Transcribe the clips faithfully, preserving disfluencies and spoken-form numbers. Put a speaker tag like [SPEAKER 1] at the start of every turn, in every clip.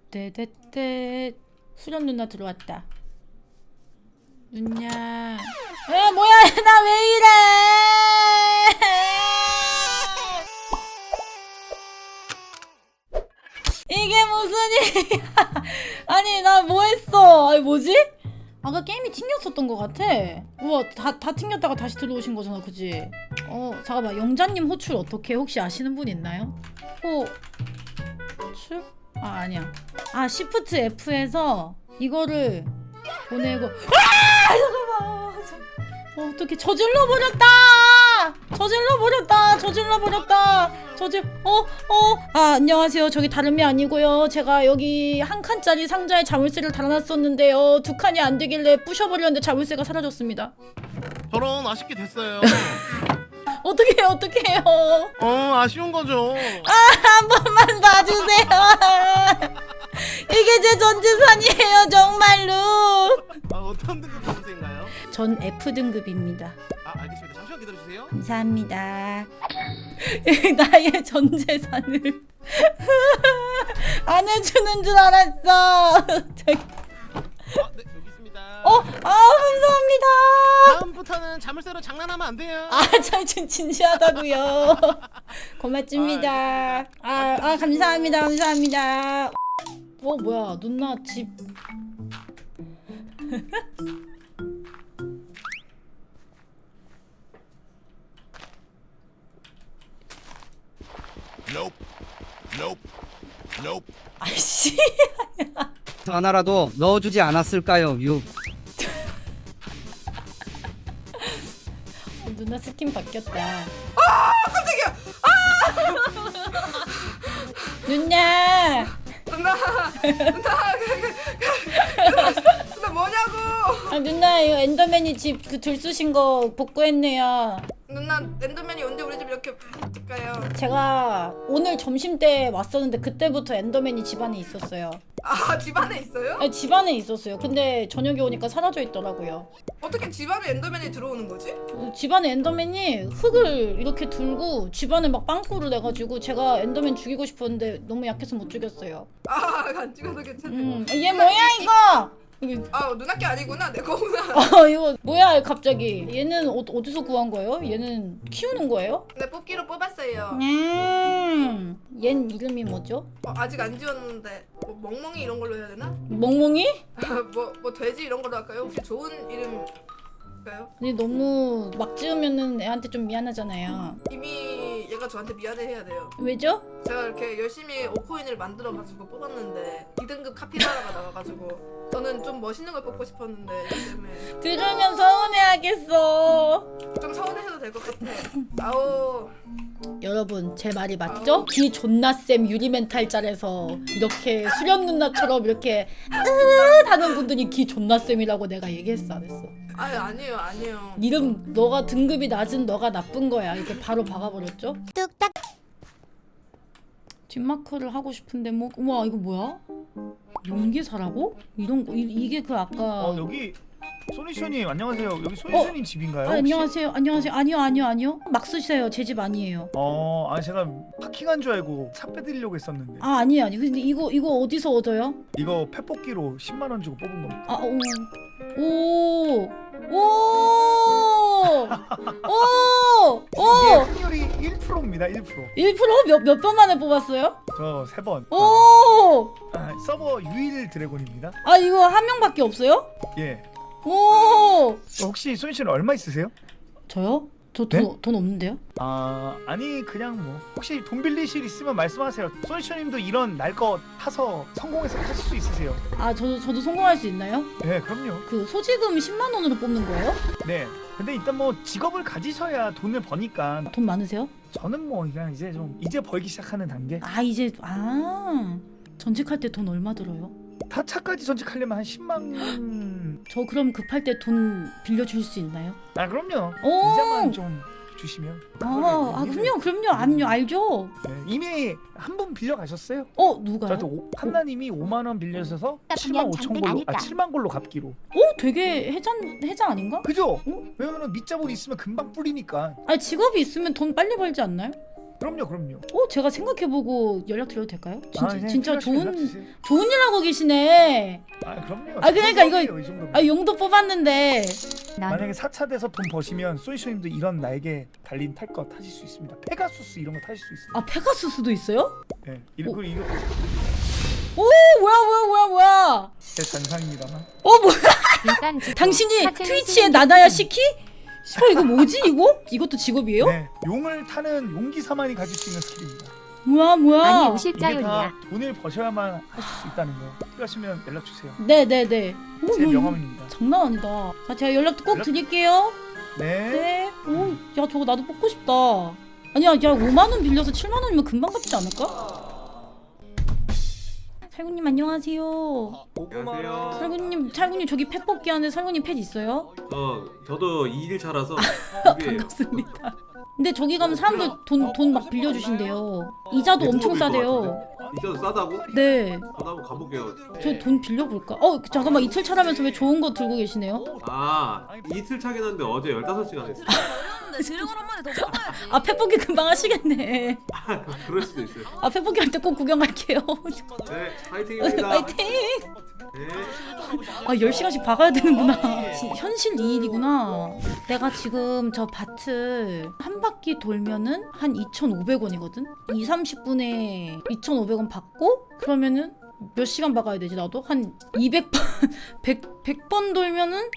[SPEAKER 1] 떼떼떼 수련 누나 들어왔다. 누냐? 에 뭐야 나 왜 이래? 이게 무슨 일이야? 아니 나 뭐했어? 아니 뭐지? 아까 게임이 튕겼었던 것 같아. 우와 다, 다 튕겼다가 다시 들어오신 거잖아 그지? 어 잠깐만 영자님 호출 어떻게 혹시 아시는 분 있나요? 호출? 아 아니야. 아 시프트 F에서 이거를 보내고 아 잠깐만 어, 어떻게 저질러 버렸다 저질러 버렸다 저질러 버렸다 저질 어어아 안녕하세요. 저기 다름이 아니고요. 제가 여기 한 칸짜리 상자에 자물쇠를 달아놨었는데요. 두 칸이 안 되길래 부셔버렸는데 자물쇠가 사라졌습니다.
[SPEAKER 2] 저런 아쉽게 됐어요.
[SPEAKER 1] 어떻게 해요 어떻게 해요?
[SPEAKER 2] 어 아쉬운 거죠.
[SPEAKER 1] 아 한 번만 봐주세요. 이게 제 전 재산이에요 정말로.
[SPEAKER 2] 아 어떤 등급 점수인가요?
[SPEAKER 1] 전 F 등급입니다.
[SPEAKER 2] 아 알겠습니다. 잠시만 기다려주세요.
[SPEAKER 1] 감사합니다. 나의 전 재산을 안 해주는 줄 알았어. 저기.
[SPEAKER 2] 아 네 여기 있습니다.
[SPEAKER 1] 어, 아 감사합니다.
[SPEAKER 2] 다음부터는 자물쇠로 장난하면 안 돼요.
[SPEAKER 1] 아, 저 진, 진지하다고요. 고맙습니다.
[SPEAKER 2] 아,
[SPEAKER 1] 아, 아, 감사합니다, 감사합니다. 어, 뭐야, 누나 집.
[SPEAKER 2] Nope. Nope. Nope.
[SPEAKER 1] 아이씨.
[SPEAKER 3] 하나라도 넣어주지 않았을까요? 유.
[SPEAKER 1] 어, 누나 스킨 바뀌었다.
[SPEAKER 4] 아 깜짝이야.
[SPEAKER 1] 누나.
[SPEAKER 4] 누나 누나 누나 뭐냐고.
[SPEAKER 1] 아, 누나 이거 엔더맨이 집 그 들쑤신 거 복구했네요.
[SPEAKER 4] 누나 엔더맨이 언제 우리 집 이렇게 가요?
[SPEAKER 1] 제가 오늘 점심 때 왔었는데 그때부터 엔더맨이 집안에 있었어요.
[SPEAKER 4] 아 집안에 있어요?
[SPEAKER 1] 아니, 집안에 있었어요. 근데 저녁에 오니까 사라져 있더라고요.
[SPEAKER 4] 어떻게 집안에 엔더맨이 들어오는 거지?
[SPEAKER 1] 어, 집안에 엔더맨이 흙을 이렇게 들고 집안에 막 빵꾸를 내가지고 제가 엔더맨 죽이고 싶었는데 너무 약해서 못 죽였어요.
[SPEAKER 4] 아안 찍어도 괜찮네.
[SPEAKER 1] 음, 얘 뭐야 이거? 이게-
[SPEAKER 4] 아 누나 게 아니구나 내 거구나.
[SPEAKER 1] 어 이거 뭐야 갑자기? 얘는 어, 어디서 구한 거예요? 얘는 키우는 거예요?
[SPEAKER 4] 네 뽑기로 뽑았어요.
[SPEAKER 1] 음, 얜 이름이 뭐죠?
[SPEAKER 4] 어, 아직 안 지웠는데 뭐 멍멍이 이런 걸로 해야 되나?
[SPEAKER 1] 멍멍이?
[SPEAKER 4] 뭐뭐 뭐 돼지 이런 걸로 할까요? 혹시 좋은 이름일까요?
[SPEAKER 1] 근데 너무 막 지으면은 애한테 좀 미안하잖아요.
[SPEAKER 4] 이미 얘가 저한테 미안해해야 돼요.
[SPEAKER 1] 왜죠?
[SPEAKER 4] 제가 이렇게 열심히 오코인을 만들어가지고 뽑았는데 이 등급 카피바라가 나와가지고 저는 좀 멋있는 걸 뽑고 싶었는데 이 때문에
[SPEAKER 1] 들으면 서운해하겠어.
[SPEAKER 4] 좀 서운해도 될 것 같아. 아오.
[SPEAKER 1] 여러분 제 말이 맞죠? 기 존나 쌤 유리멘탈짤에서 이렇게 수련 누나처럼 이렇게 으 하는 분들이 기 존나 쌤이라고 내가 얘기했어 안 했어?
[SPEAKER 4] 아유 아니에요 아니에요.
[SPEAKER 1] 이름 너가 등급이 낮은 너가 나쁜 거야. 이렇게 바로 박아버렸죠? 뚝딱. 뒷마크를 하고 싶은데 뭐 우와 이거 뭐야? 용기사라고? 이런 거 이, 이게 그 아까
[SPEAKER 5] 어 여기 소니쇼님 안녕하세요. 여기 소니쇼님 집인가요?
[SPEAKER 1] 아,
[SPEAKER 5] 혹시?
[SPEAKER 1] 안녕하세요 안녕하세요 아니요 아니요 아니요 막 쓰세요. 제 집 아니에요.
[SPEAKER 5] 어, 아 제가 파킹한 줄 알고 차 빼드리려고 했었는데
[SPEAKER 1] 아 아니에요 아니에요. 근데 이거 이거 어디서 얻어요?
[SPEAKER 5] 이거 펫뽑기로 십만 원 주고 뽑은 겁니다.
[SPEAKER 1] 아, 오. 오. 오. 오.
[SPEAKER 5] 이게
[SPEAKER 1] 오.
[SPEAKER 5] 확률이 일 퍼센트입니다. 일 퍼센트.
[SPEAKER 1] 일 퍼센트 몇, 몇 번 만에 뽑았어요?
[SPEAKER 5] 저 세 번.
[SPEAKER 1] 오.
[SPEAKER 5] 아, 서버 유일 드래곤입니다.
[SPEAKER 1] 아, 이거 한 명밖에 없어요?
[SPEAKER 5] 예.
[SPEAKER 1] 오.
[SPEAKER 5] 어, 혹시 소니쇼님 얼마 있으세요?
[SPEAKER 1] 저요? 저 돈
[SPEAKER 5] 네?
[SPEAKER 1] 돈 없는데요?
[SPEAKER 5] 아 아니 그냥 뭐 혹시 돈 빌리실 있으면 말씀하세요. 소니쇼님도 이런 날 거 타서 성공해서 타실 수 있으세요?
[SPEAKER 1] 아, 저도 저도 성공할 수 있나요?
[SPEAKER 5] 네 그럼요.
[SPEAKER 1] 그 소지금 십만 원으로 뽑는 거예요?
[SPEAKER 5] 네. 근데 일단 뭐 직업을 가지셔야 돈을 버니까
[SPEAKER 1] 돈 많으세요?
[SPEAKER 5] 저는 뭐 그냥 이제 좀 이제 벌기 시작하는 단계.
[SPEAKER 1] 아, 이제 아. 전직할 때 돈 얼마 들어요?
[SPEAKER 5] 타차까지 전직하려면 한 십만.
[SPEAKER 1] 저 그럼 급할 때 돈 빌려 줄 수 있나요?
[SPEAKER 5] 아 그럼요.
[SPEAKER 1] 오.
[SPEAKER 5] 이자만 좀 주시면.
[SPEAKER 1] 아, 아 그럼요. 그럼요. 아니요. 알죠.
[SPEAKER 5] 네, 이미 한 분 빌려 가셨어요.
[SPEAKER 1] 어, 누가요?
[SPEAKER 5] 저한테 오- 한나님이 오만 원 빌려주셔서 칠만 오천 골로 아 칠만 골로 갚기로.
[SPEAKER 1] 오, 되게 해자 해자 아닌가?
[SPEAKER 5] 그죠?
[SPEAKER 1] 어?
[SPEAKER 5] 왜냐면 밑자본 있으면 금방 뿌리니까.
[SPEAKER 1] 아니 직업이 있으면 돈 빨리 벌지 않나요?
[SPEAKER 5] 그럼요, 그럼요.
[SPEAKER 1] 어 제가 생각해보고 연락드려도 될까요? 진짜
[SPEAKER 5] 아, 그냥
[SPEAKER 1] 진짜
[SPEAKER 5] 필요하시면
[SPEAKER 1] 좋은
[SPEAKER 5] 연락 주세요.
[SPEAKER 1] 좋은 일 하고 계시네.
[SPEAKER 5] 아, 그럼요.
[SPEAKER 1] 아, 그러니까 이거-
[SPEAKER 5] 이 정도면.
[SPEAKER 1] 아 용도 뽑았는데
[SPEAKER 5] 만약에 사 차 돼서 돈 버시면 소이쇼님도 이런 날개 달린 탈 거 타실 수 있습니다. 페가수스 이런 거 타실 수 있습니다.
[SPEAKER 1] 아 페가수스도 있어요?
[SPEAKER 5] 네, 이거 이거
[SPEAKER 1] 오 뭐야 뭐야 뭐야 뭐야?
[SPEAKER 5] 제 잔상입니다.
[SPEAKER 1] 어 뭐야?
[SPEAKER 6] 일단 지금
[SPEAKER 1] 당신이
[SPEAKER 6] 사채는
[SPEAKER 1] 트위치의
[SPEAKER 6] 쓰는
[SPEAKER 1] 나나야
[SPEAKER 6] 게
[SPEAKER 1] 시키? 씨발 이거 뭐지 이거? 이것도 직업이에요?
[SPEAKER 5] 네, 용을 타는 용기사만이 가질 수 있는 스킬입니다.
[SPEAKER 1] 뭐야 뭐야?
[SPEAKER 6] 아니
[SPEAKER 5] 이게
[SPEAKER 6] 오실자요냐.
[SPEAKER 5] 다 돈을 버셔야만 하실 수 있다는 거. 필요하시면 연락 주세요.
[SPEAKER 1] 네네네. 오,
[SPEAKER 5] 제
[SPEAKER 1] 이거
[SPEAKER 5] 명함입니다.
[SPEAKER 1] 장난 아니다. 자 제가 연락도 꼭
[SPEAKER 5] 연락-
[SPEAKER 1] 드릴게요.
[SPEAKER 5] 네.
[SPEAKER 1] 네. 오, 야 저거 나도 뽑고 싶다. 아니야, 야 오만 원 빌려서 칠만 원이면 금방 갚지 않을까? 살구님 안녕하세요.
[SPEAKER 7] 안녕하세요.
[SPEAKER 1] 살구님, 살구님 저기 펫 뽑기 하는데 살구님 펫 있어요?
[SPEAKER 7] 어, 저도 이 일 차라서
[SPEAKER 1] 아,
[SPEAKER 7] 이게
[SPEAKER 1] 반갑습니다. 근데 저기 가면 사람들 돈 돈 막 빌려주신대요. 이자도 엄청 싸대요.
[SPEAKER 7] 이자도 싸다고?
[SPEAKER 1] 네.
[SPEAKER 7] 저도 한번 가볼게요.
[SPEAKER 1] 저 돈 빌려볼까? 어 잠깐만 이틀 차라면서 왜 좋은 거 들고 계시네요?
[SPEAKER 7] 아, 이틀 차긴 한데 어제 열다섯 시간 했어.
[SPEAKER 8] 어려운데 드래곤 한 마리 더 뽑아야지.
[SPEAKER 1] 아 펫 뽑기 금방 하시겠네.
[SPEAKER 7] 그럴 수도 있어요.
[SPEAKER 1] 아 펫 뽑기 할 때 꼭 구경 갈게요.
[SPEAKER 7] 네, 파이팅입니다.
[SPEAKER 1] 화이팅!
[SPEAKER 7] 네.
[SPEAKER 1] 아 열 시간씩 박아야 되는구나. 진- 현실 이 일이구나. 내가 지금 저 밭을 한 바퀴 돌면은 한 이천오백 원이거든? 이, 삼십 분에 이천오백 원 받고 그러면은 몇 시간 박아야 되지 나도? 한 이백 번, 백, 백 번 돌면은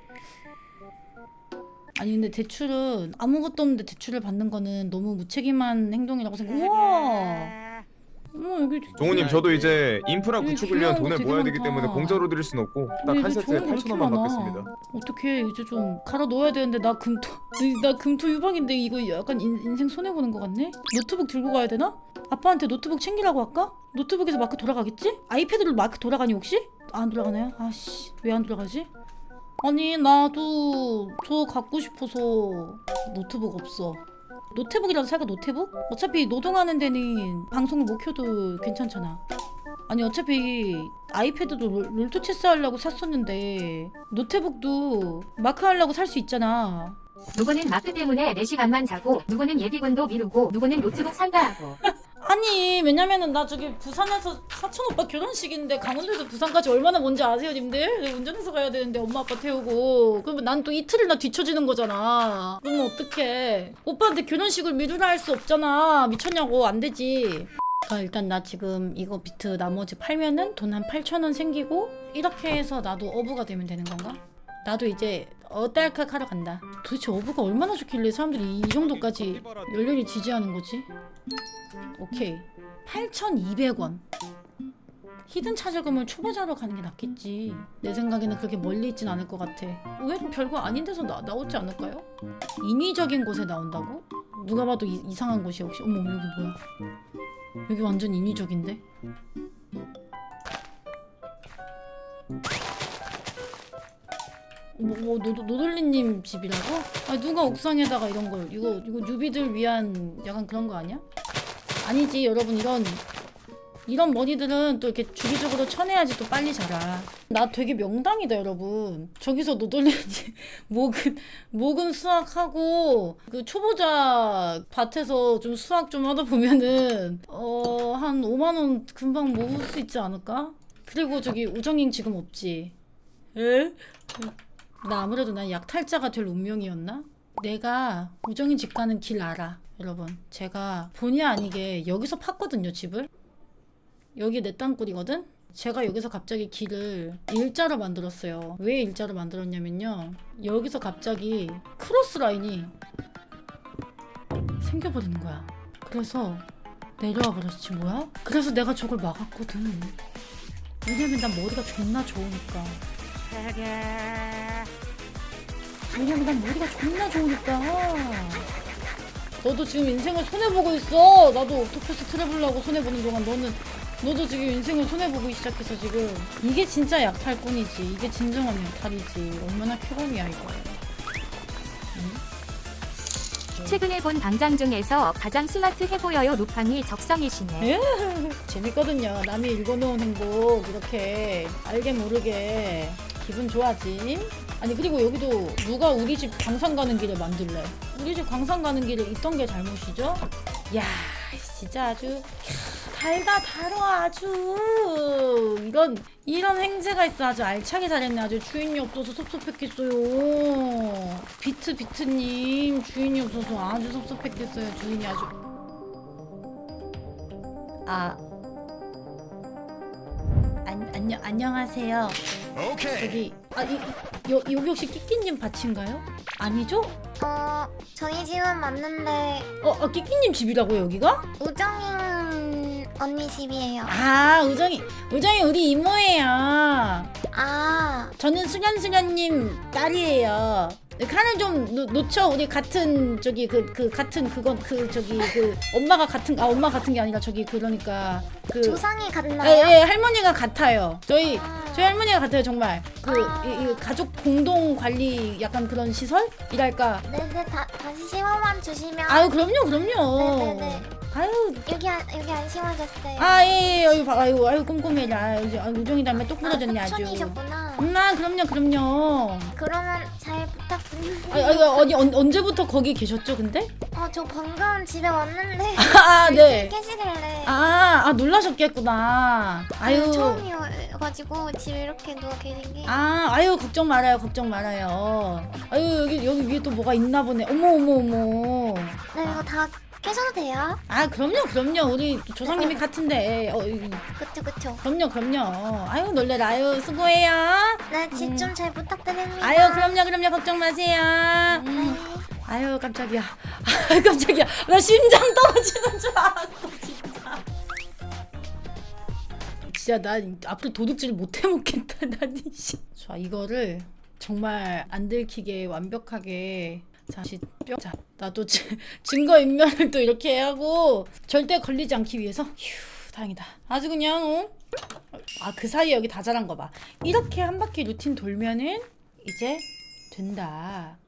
[SPEAKER 1] 아니 근데 대출은 아무것도 없는데 대출을 받는 거는 너무 무책임한 행동이라고 생각해. 우와. 어머 여기
[SPEAKER 9] 종우님 저도 이제 인프라
[SPEAKER 1] 여기
[SPEAKER 9] 구축을
[SPEAKER 1] 중요한
[SPEAKER 9] 위한
[SPEAKER 1] 거
[SPEAKER 9] 돈을
[SPEAKER 1] 되게
[SPEAKER 9] 모아야 되기
[SPEAKER 1] 많다.
[SPEAKER 9] 때문에 공짜로 드릴 순 없고 딱
[SPEAKER 1] 근데
[SPEAKER 9] 한
[SPEAKER 1] 이거
[SPEAKER 9] 세트에
[SPEAKER 1] 좋은 거
[SPEAKER 9] 팔천
[SPEAKER 1] 이렇게
[SPEAKER 9] 원만
[SPEAKER 1] 많아.
[SPEAKER 9] 받겠습니다.
[SPEAKER 1] 어떻게 이제 좀 갈아 넣어야 되는데 나 금토 나 금토 유방인데 이거 약간 인, 인생 손해 보는 것 같네. 노트북 들고 가야 되나? 아빠한테 노트북 챙기라고 할까? 노트북에서 마크 돌아가겠지? 아이패드로 마크 돌아가니 혹시? 안 돌아가나요? 아씨 왜 안 돌아가지? 아니 나도 저 갖고 싶어서 노트북 없어. 노트북이라도 살까 노트북? 어차피 노동하는 데는 방송을 못 켜도 괜찮잖아. 아니 어차피 아이패드도 롤- 롤토 체스 하려고 샀었는데 노트북도 마크 하려고 살 수 있잖아.
[SPEAKER 6] 누구는 마크 때문에 네 시간만 자고 누구는 예비군도 미루고 누구는 노트북 산다 하고.
[SPEAKER 1] 아니 왜냐면은 나 저기 부산에서 사촌 오빠 결혼식인데 강원도에서 부산까지 얼마나 먼지 아세요 님들? 내가 운전해서 가야 되는데 엄마 아빠 태우고 그러면 난 또 이틀이나 뒤처지는 거잖아. 그러면 어떡해. 오빠한테 결혼식을 미루라 할 수 없잖아. 미쳤냐고. 안 되지. 아, 일단 나 지금 이거 비트 나머지 팔면은 돈 한 팔천 원 생기고 이렇게 해서 나도 어부가 되면 되는 건가? 나도 이제 어딸깍 하러 간다. 도대체 어부가 얼마나 좋길래 사람들이 이 정도까지 열렬히 지지하는 거지? 오케이 팔천이백 원. 히든 찾아가면 초보자로 가는 게 낫겠지. 내 생각에는 그렇게 멀리 있진 않을 것 같아. 왜 별거 아닌 데서 나, 나오지 않을까요? 인위적인 곳에 나온다고? 누가 봐도 이, 이상한 곳이야 혹시. 어머 여기 뭐야. 여기 완전 인위적인데? 뭐, 뭐 노, 노돌리님 집이라고? 아 누가 옥상에다가 이런 걸 이거 이거 뉴비들 위한 약간 그런 거 아니야? 아니지 여러분 이런 이런 머리들은 또 이렇게 주기적으로 쳐내야지 또 빨리 자라. 나 되게 명당이다 여러분. 저기서 노돌리지 목은 목은 수학하고 그 초보자 밭에서 좀 수학 좀 하다 보면은 어 한 오만 원 금방 모을 수 있지 않을까? 그리고 저기 우정인 지금 없지? 에? 나 아무래도 난 약탈자가 될 운명이었나? 내가 우정인 집 가는 길 알아 여러분. 제가 본의 아니게 여기서 팠거든요 집을. 여기 내 땅굴이거든? 제가 여기서 갑자기 길을 일자로 만들었어요. 왜 일자로 만들었냐면요 여기서 갑자기 크로스 라인이 생겨버리는 거야. 그래서 내려와 버렸지 뭐야? 그래서 내가 저걸 막았거든. 왜냐면 난 머리가 존나 좋으니까. 왜냐면 난 머리가 존나 좋으니까. 너도 지금 인생을 손해보고 있어. 나도 옥토퍼스 트래블하고 손해보는 동안 너는 너도 지금 인생을 손해보고 시작했어 지금. 이게 진짜 약탈꾼이지. 이게 진정한 약탈이지. 얼마나 쾌감이야 이거.
[SPEAKER 6] 최근에 본 방장 중에서 가장 스마트해 보여요. 루팡이 적성이시네.
[SPEAKER 1] 예? 재밌거든요. 남이 읽어놓은 행복 이렇게 알게 모르게 기분 좋아지. 아니 그리고 여기도 누가 우리 집 광산 가는 길에 만들래? 우리 집 광산 가는 길에 있던 게 잘못이죠? 야 진짜 아주 달다 달어 아주 이런 이런 행제가 있어. 아주 알차게 잘했네. 아주 주인이 없어서 섭섭했겠어요. 비트 비트님 주인이 없어서 아주 섭섭했겠어요. 주인이 아주 아 안, 안녕 안녕하세요.
[SPEAKER 2] 오케이.
[SPEAKER 1] 여기 아 이, 이, 여, 여기 혹시 끼끼님 밭인가요? 아니죠?
[SPEAKER 10] 어, 저희 집은 맞는데
[SPEAKER 1] 어, 아, 끼끼님 집이라고요 여기가?
[SPEAKER 10] 우정인 언니 집이에요.
[SPEAKER 1] 아 우정이 우정이 우리 이모예요.
[SPEAKER 10] 아,
[SPEAKER 1] 저는 수련수련님 딸이에요. 칸을 좀 놓, 놓쳐. 우리 같은 저기 그 그 같은 그건 그 저기 그 엄마가 같은 아 엄마 같은 게 아니라 저기 그러니까 그
[SPEAKER 10] 조상이
[SPEAKER 1] 예,
[SPEAKER 10] 같나요?
[SPEAKER 1] 예, 할머니가 같아요. 저희
[SPEAKER 10] 아.
[SPEAKER 1] 저희 할머니가 같아요 정말. 그
[SPEAKER 10] 아.
[SPEAKER 1] 이, 이 가족 공동 관리 약간 그런 시설이랄까.
[SPEAKER 10] 네네, 다, 다시 심어만 주시면.
[SPEAKER 1] 아유 그럼요 그럼요.
[SPEAKER 10] 네네네.
[SPEAKER 1] 아유
[SPEAKER 10] 여기 안, 여기 안 심어졌어요.
[SPEAKER 1] 아, 예, 예, 아유, 봐, 아유, 아유, 꼼꼼해라. 아유, 아유, 우정이 닮아 똑 부러졌네,
[SPEAKER 10] 아,
[SPEAKER 1] 아주.
[SPEAKER 10] 삼촌이셨구나.
[SPEAKER 1] 엄마, 그럼요, 그럼요.
[SPEAKER 10] 그러면 잘 부탁드립니다.
[SPEAKER 1] 아유, 아유, 어디, 언, 언제부터 거기 계셨죠, 근데?
[SPEAKER 10] 어, 저 방금 집에 왔는데.
[SPEAKER 1] 아, 네.
[SPEAKER 10] 계시길래.
[SPEAKER 1] 아, 아, 놀라셨겠구나. 아유.
[SPEAKER 10] 처음이어가지고 집에 이렇게 누워 계신 게.
[SPEAKER 1] 아, 아유, 걱정 말아요, 걱정 말아요. 아유, 여기, 여기 위에 또 뭐가 있나 보네. 어머, 어머, 어머.
[SPEAKER 10] 네, 이거 다 깨셔도 돼요?
[SPEAKER 1] 아, 그럼요, 그럼요. 우리 조상님이 같은데. 어, 이-
[SPEAKER 10] 그쵸, 그쵸.
[SPEAKER 1] 그럼요, 그럼요. 아유, 놀래라. 아유, 수고해요.
[SPEAKER 10] 네, 집
[SPEAKER 1] 음.
[SPEAKER 10] 좀 잘 부탁드립니다.
[SPEAKER 1] 아유, 그럼요, 그럼요. 걱정 마세요. 음.
[SPEAKER 10] 네.
[SPEAKER 1] 아유 깜짝이야. 아 깜짝이야. 나 심장 떨어지는 줄 알았어 진짜. 진짜 난 앞으로 도둑질 못 해먹겠다. 난 이씨. 자 이거를 정말 안 들키게 완벽하게 다시 뿅. 자 나도 지, 증거 인멸을 또 이렇게 하고 절대 걸리지 않기 위해서. 휴 다행이다. 아주 그냥 어? 아 그 사이에 여기 다 자란 거 봐. 이렇게 한 바퀴 루틴 돌면은 이제 된다.